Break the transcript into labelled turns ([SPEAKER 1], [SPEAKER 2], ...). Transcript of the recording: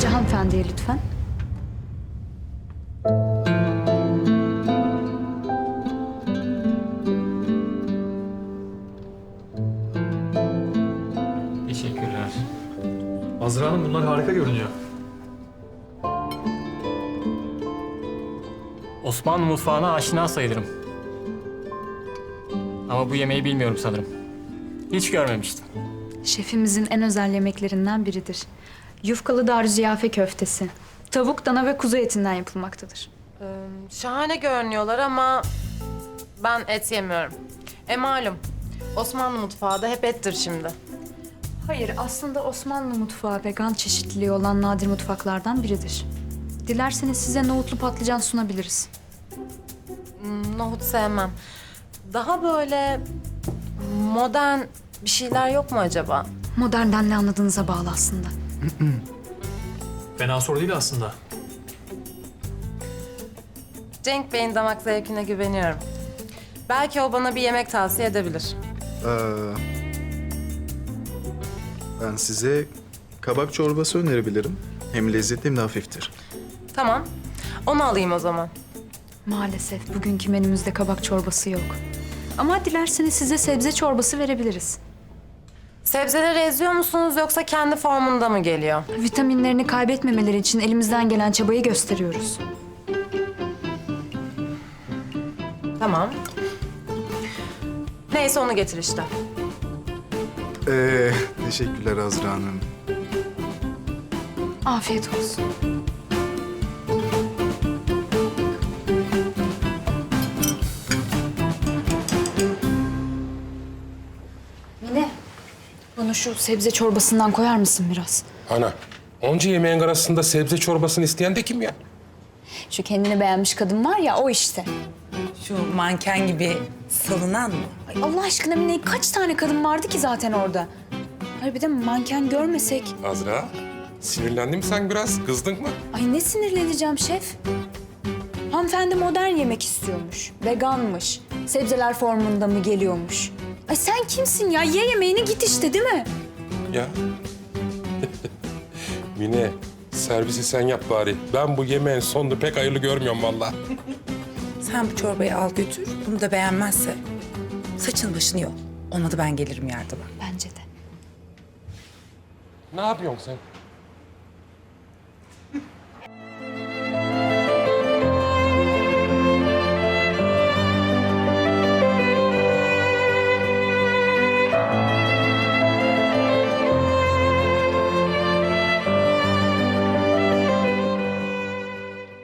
[SPEAKER 1] Önce hanımefendiye lütfen.
[SPEAKER 2] Teşekkürler. Azra Hanım bunlar harika görünüyor. Osmanlı mutfağına aşina sayılırım. Ama bu yemeği bilmiyorum sanırım. Hiç görmemiştim.
[SPEAKER 1] Şefimizin en özel yemeklerinden biridir. Yufkalı darüziyafe köftesi. Tavuk, dana ve kuzu etinden yapılmaktadır.
[SPEAKER 3] Şahane görünüyorlar ama ben et yemiyorum. Malum Osmanlı mutfağı da hep ettir şimdi.
[SPEAKER 1] Hayır, aslında Osmanlı mutfağı vegan çeşitliliği olan nadir mutfaklardan biridir. Dilerseniz size nohutlu patlıcan sunabiliriz.
[SPEAKER 3] Nohut sevmem. Daha böyle modern bir şeyler yok mu acaba?
[SPEAKER 1] Modernden ne anladığınıza bağlı aslında.
[SPEAKER 2] Fena soru değil aslında.
[SPEAKER 3] Cenk Bey'in damak zevkine güveniyorum. Belki o bana bir yemek tavsiye edebilir.
[SPEAKER 4] Ben size kabak çorbası önerebilirim. Hem lezzetli hem de hafiftir.
[SPEAKER 3] Tamam, onu alayım o zaman.
[SPEAKER 1] Maalesef bugünkü menümüzde kabak çorbası yok. Ama dilerseniz size sebze çorbası verebiliriz.
[SPEAKER 3] Sebzeleri eziyor musunuz yoksa kendi formunda mı geliyor?
[SPEAKER 1] Vitaminlerini kaybetmemeleri için elimizden gelen çabayı gösteriyoruz.
[SPEAKER 3] Tamam. Neyse onu getir işte.
[SPEAKER 4] Teşekkürler Azra Hanım.
[SPEAKER 1] Afiyet olsun. Mine, bana şu sebze çorbasından koyar mısın biraz?
[SPEAKER 5] Ana, onca yemeğin arasında sebze çorbasını isteyen de kim ya?
[SPEAKER 1] Şu kendini beğenmiş kadın var ya, o işte.
[SPEAKER 6] Şu manken gibi salınan mı?
[SPEAKER 1] Ay Allah aşkına Mine, kaç tane kadın vardı ki zaten orada? Hayır bir de manken görmesek.
[SPEAKER 5] Azra, sinirlendin mi sen biraz? Kızdın mı?
[SPEAKER 1] Ay ne sinirleneceğim şef? Hanımefendi modern yemek istiyormuş, veganmış, sebzeler formunda mı geliyormuş? Ay sen kimsin ya? Ye yemeğini git işte, değil mi?
[SPEAKER 5] Ya. Mine, servisi sen yap bari. Ben bu yemeğin sonunu pek hayırlı görmüyorum vallahi.
[SPEAKER 6] Sen bu çorbayı al götür. Bunu da beğenmezse saçın başını yol. Olmadı ben gelirim yardıma.
[SPEAKER 1] Bence de.
[SPEAKER 5] Ne yapıyorsun sen?